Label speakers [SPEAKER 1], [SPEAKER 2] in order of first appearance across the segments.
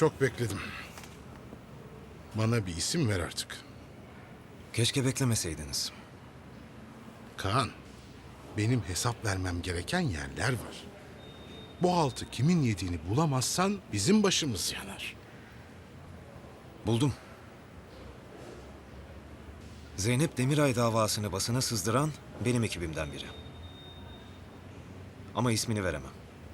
[SPEAKER 1] Çok bekledim. Bana bir isim ver artık.
[SPEAKER 2] Keşke beklemeseydiniz.
[SPEAKER 1] Kaan, benim hesap vermem gereken yerler var. Bu haltı kimin yediğini bulamazsan bizim başımız yanar.
[SPEAKER 2] Buldum. Zeynep Demiray davasını basına sızdıran benim ekibimden biri. Ama ismini veremem.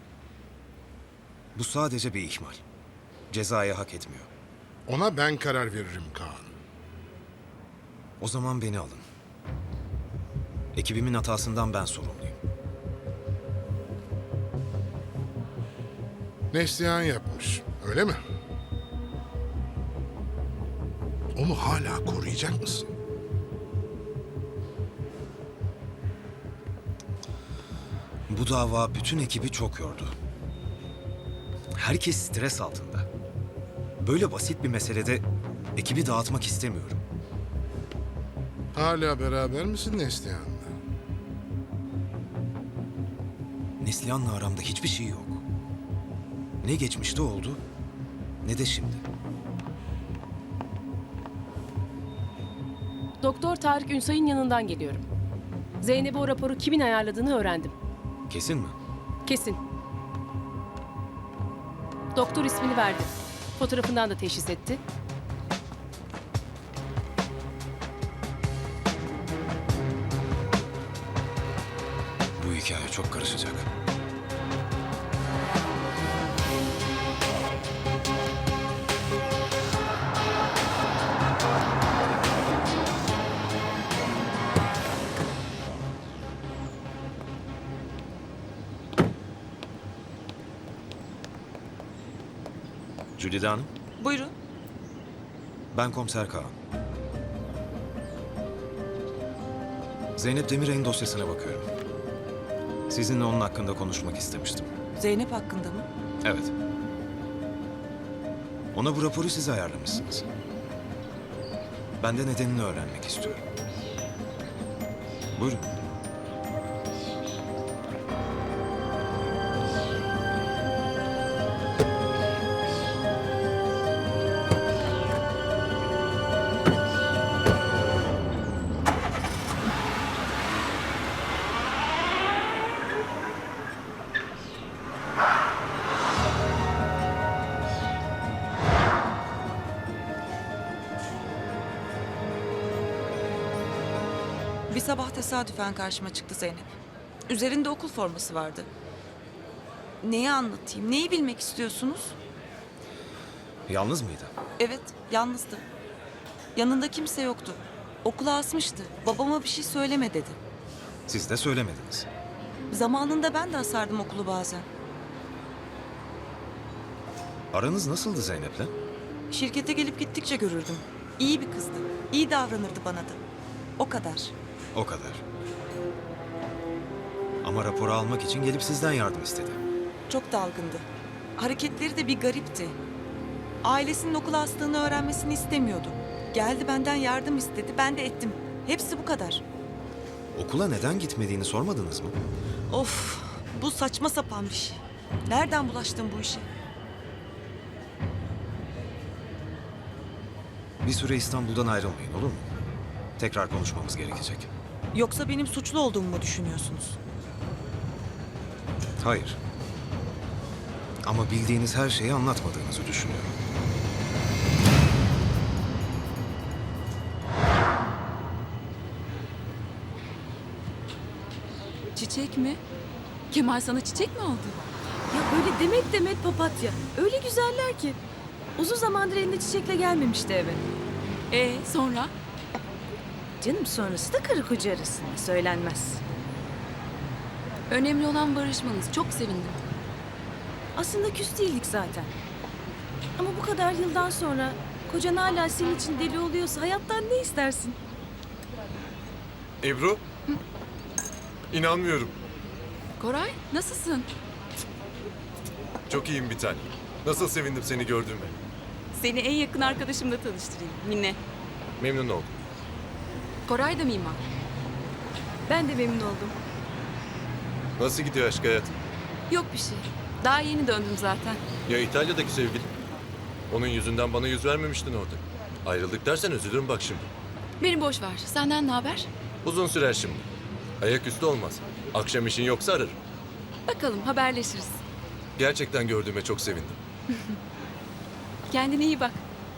[SPEAKER 2] Bu sadece bir ihmal. Cezayı hak etmiyor.
[SPEAKER 1] Ona ben karar veririm Kaan.
[SPEAKER 2] O zaman beni alın. Ekibimin hatasından ben sorumluyum.
[SPEAKER 1] Neslihan yapmış, öyle mi? Onu hala koruyacak mısın?
[SPEAKER 2] Bu dava bütün ekibi çok yordu. Herkes stres altında. Böyle basit bir meselede ekibi dağıtmak istemiyorum.
[SPEAKER 1] Hala beraber misin Neslihan'la?
[SPEAKER 2] Neslihan'la aramda hiçbir şey yok. Ne geçmişte oldu, ne de şimdi.
[SPEAKER 3] Doktor Tarık Ünsay'ın yanından geliyorum. Zeynep'e o raporu kimin ayarladığını öğrendim.
[SPEAKER 2] Kesin mi?
[SPEAKER 3] Kesin. Doktor ismini verdi. Fotoğrafından da teşhis etti.
[SPEAKER 2] Bu hikaye çok karışacak. Jülide Hanım,
[SPEAKER 4] Buyurun.
[SPEAKER 2] ben Komiser Kaan. Zeynep Demiray'ın dosyasına bakıyorum. Sizinle onun hakkında konuşmak istemiştim.
[SPEAKER 4] Zeynep hakkında mı?
[SPEAKER 2] Evet. Ona bu raporu siz ayarlamışsınız. Ben de nedenini öğrenmek istiyorum. Buyurun.
[SPEAKER 4] Bir sabah tesadüfen karşıma çıktı Zeynep. Üzerinde okul forması vardı. Neyi anlatayım? Neyi bilmek istiyorsunuz?
[SPEAKER 2] Yalnız mıydı?
[SPEAKER 4] Evet, yalnızdı. Yanında kimse yoktu. Okula asmıştı. Babama bir şey söyleme dedi.
[SPEAKER 2] Siz de söylemediniz.
[SPEAKER 4] Zamanında ben de asardım okulu bazen.
[SPEAKER 2] Aranız nasıldı Zeynep'le?
[SPEAKER 4] Şirkete gelip gittikçe görürdüm. İyi bir kızdı. İyi davranırdı bana da. O kadar.
[SPEAKER 2] O kadar. Ama raporu almak için gelip sizden yardım istedi.
[SPEAKER 4] Çok dalgındı. Hareketleri de bir garipti. Ailesinin okula astığını öğrenmesini istemiyordu. Geldi benden yardım istedi, ben de ettim. Hepsi bu kadar.
[SPEAKER 2] Okula neden gitmediğini sormadınız mı?
[SPEAKER 4] Of, bu saçma sapan bir şey. Nereden bulaştın bu işe?
[SPEAKER 2] Bir süre İstanbul'dan ayrılmayın, olur mu? Tekrar konuşmamız gerekecek.
[SPEAKER 4] Yoksa benim suçlu olduğumu mu düşünüyorsunuz?
[SPEAKER 2] Hayır. Ama bildiğiniz her şeyi anlatmadığınızı düşünüyorum.
[SPEAKER 5] Çiçek mi? Kemal sana çiçek mi aldı?
[SPEAKER 3] Ya böyle demet demet papatya. Öyle güzeller ki. Uzun zamandır elinde çiçekle gelmemişti eve.
[SPEAKER 5] Sonra?
[SPEAKER 3] Canım sonrası da karı koca arasında söylenmez.
[SPEAKER 5] Önemli olan barışmanız. Çok sevindim.
[SPEAKER 3] Aslında küs değildik zaten. Ama bu kadar yıldan sonra kocan hala senin için deli oluyorsa hayattan ne istersin?
[SPEAKER 6] Ebru? İnanmıyorum.
[SPEAKER 5] Koray, nasılsın?
[SPEAKER 6] Çok iyiyim bir tane. Nasıl sevindim seni gördüğüme.
[SPEAKER 5] Seni en yakın arkadaşımla tanıştırayım. Mine.
[SPEAKER 6] Memnun oldum.
[SPEAKER 5] Koray da mimar.
[SPEAKER 3] Ben de memnun oldum.
[SPEAKER 6] Nasıl gidiyor aşk hayatın?
[SPEAKER 5] Yok bir şey. Daha yeni döndüm zaten.
[SPEAKER 6] Ya İtalya'daki sevgilin? Onun yüzünden bana yüz vermemiştin orada. Ayrıldık dersen üzülürüm bak şimdi.
[SPEAKER 5] Beni boş ver. Senden ne haber?
[SPEAKER 6] Uzun sürer şimdi. Ayaküstü olmaz. Akşam işin yoksa ararım.
[SPEAKER 5] Bakalım haberleşiriz.
[SPEAKER 6] Gerçekten gördüğüme çok sevindim.
[SPEAKER 5] Kendine iyi bak.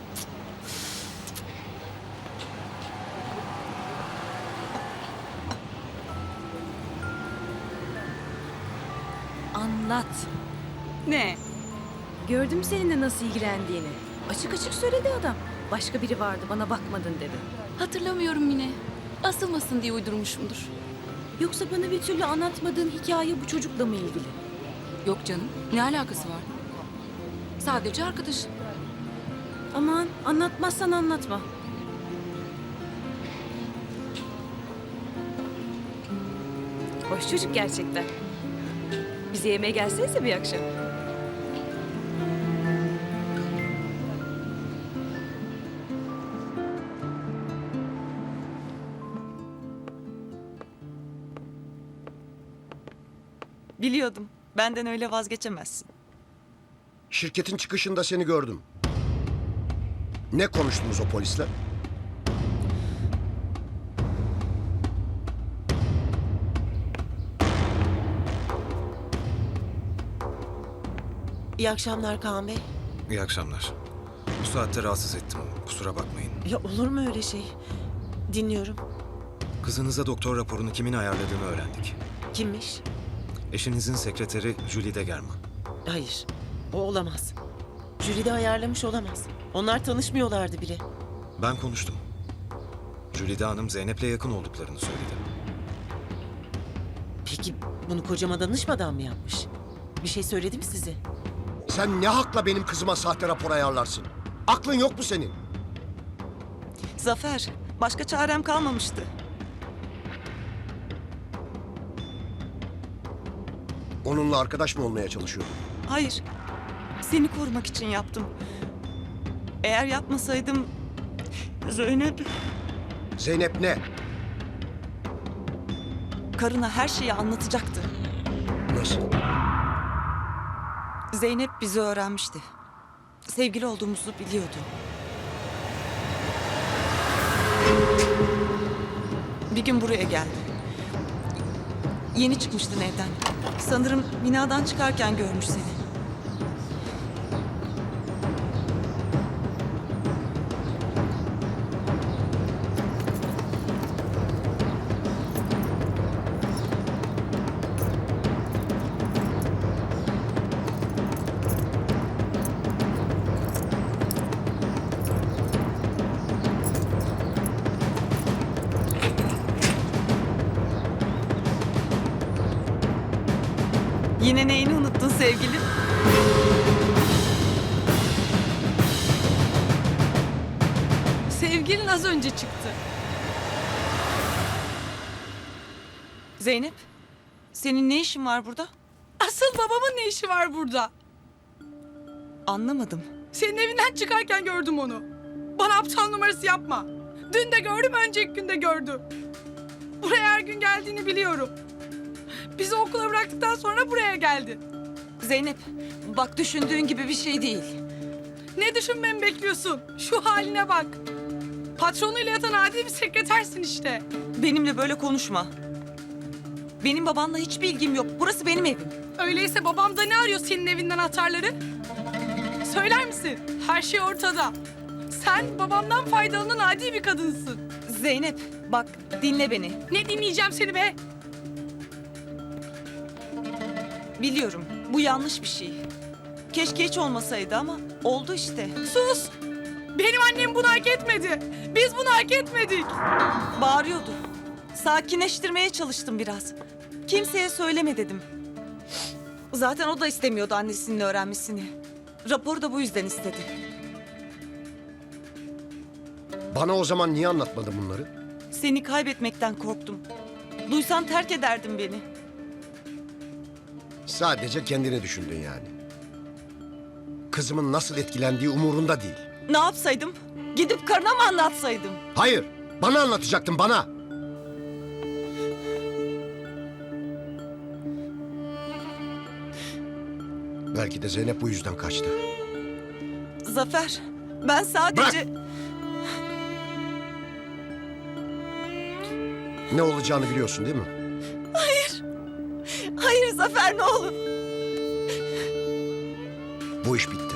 [SPEAKER 3] Anlat.
[SPEAKER 5] Ne?
[SPEAKER 3] Gördüm seninle nasıl ilgilendiğini. Açık açık söyledi adam. Başka biri vardı bana bakmadın dedi.
[SPEAKER 5] Hatırlamıyorum yine. Asılmasın diye uydurmuşumdur.
[SPEAKER 3] Yoksa bana bir türlü anlatmadığın hikaye bu çocukla mı ilgili?
[SPEAKER 5] Yok canım. Ne alakası var? Sadece arkadaş.
[SPEAKER 3] Aman anlatmazsan anlatma. Hoş çocuk gerçekten. Bize yemeğe gelsenize bir akşam.
[SPEAKER 4] Biliyordum. Benden öyle vazgeçemezsin.
[SPEAKER 7] Şirketin çıkışında seni gördüm. Ne konuştunuz o polisle?
[SPEAKER 8] İyi akşamlar Kaan Bey.
[SPEAKER 2] İyi akşamlar. Bu saatte rahatsız ettim. Kusura bakmayın.
[SPEAKER 8] Ya olur mu öyle şey? Dinliyorum.
[SPEAKER 2] Kızınıza doktor raporunu kimin ayarladığını öğrendik.
[SPEAKER 8] Kimmiş?
[SPEAKER 2] Eşinizin sekreteri Julie de Germa.
[SPEAKER 8] Hayır. O olamaz. Jüri de ayarlamış olamaz. Onlar tanışmıyorlardı bile.
[SPEAKER 2] Ben konuştum. Jülide Hanım Zeynep'le yakın olduklarını söyledi.
[SPEAKER 8] Peki bunu kocama danışmadan mı yapmış? Bir şey söyledi mi size?
[SPEAKER 7] Sen ne hakla benim kızıma sahte rapor ayarlarsın? Aklın yok mu senin?
[SPEAKER 4] Zafer, başka çarem kalmamıştı.
[SPEAKER 7] Onunla arkadaş mı olmaya çalışıyordun?
[SPEAKER 4] Hayır, seni korumak için yaptım. Eğer yapmasaydım... Zeynep...
[SPEAKER 7] Zeynep ne?
[SPEAKER 4] Karına her şeyi anlatacaktı.
[SPEAKER 7] Nasıl?
[SPEAKER 4] Zeynep bizi öğrenmişti. Sevgili olduğumuzu biliyordu. Bir gün buraya geldi. Yeni çıkmıştın evden. Sanırım binadan çıkarken görmüş seni. Yine neyini unuttun sevgilim?
[SPEAKER 9] Sevgilin az önce çıktı.
[SPEAKER 4] Zeynep, senin ne işin var burada?
[SPEAKER 9] Asıl babamın ne işi var burada?
[SPEAKER 4] Anlamadım.
[SPEAKER 9] Senin evinden çıkarken gördüm onu. Bana aptal numarası yapma. Dün de gördüm, önceki gün de gördüm. Buraya her gün geldiğini biliyorum. Bizi okula bıraktıktan sonra buraya geldi.
[SPEAKER 4] Zeynep, bak düşündüğün gibi bir şey değil.
[SPEAKER 9] Ne düşünmemi bekliyorsun? Şu haline bak. Patronuyla yatan adi bir sekretersin işte.
[SPEAKER 4] Benimle böyle konuşma. Benim babanla hiçbir ilgim yok. Burası benim evim.
[SPEAKER 9] Öyleyse babam da ne arıyor senin evinden atarları? Söyler misin? Her şey ortada. Sen babamdan faydalanan adi bir kadınsın.
[SPEAKER 4] Zeynep, bak dinle beni.
[SPEAKER 9] Ne dinleyeceğim seni be?
[SPEAKER 4] Biliyorum, bu yanlış bir şey. Keşke hiç olmasaydı ama oldu işte.
[SPEAKER 9] Sus! Benim annem bunu hak etmedi. Biz bunu hak etmedik.
[SPEAKER 4] Bağırıyordu. Sakinleştirmeye çalıştım biraz. Kimseye söyleme dedim. Zaten o da istemiyordu annesinin öğrenmesini. Raporu da bu yüzden istedi.
[SPEAKER 7] Bana o zaman niye anlatmadın bunları?
[SPEAKER 4] Seni kaybetmekten korktum. Duysan terk ederdin beni.
[SPEAKER 7] Sadece kendini düşündün yani. Kızımın nasıl etkilendiği umurunda değil.
[SPEAKER 4] Ne yapsaydım? Gidip karına mı anlatsaydım?
[SPEAKER 7] Hayır, bana anlatacaktın, bana. Belki de Zeynep bu yüzden kaçtı.
[SPEAKER 4] Zafer, ben sadece...
[SPEAKER 7] Ne olacağını biliyorsun değil mi?
[SPEAKER 4] Hayır Zafer, ne olur.
[SPEAKER 7] Bu iş bitti.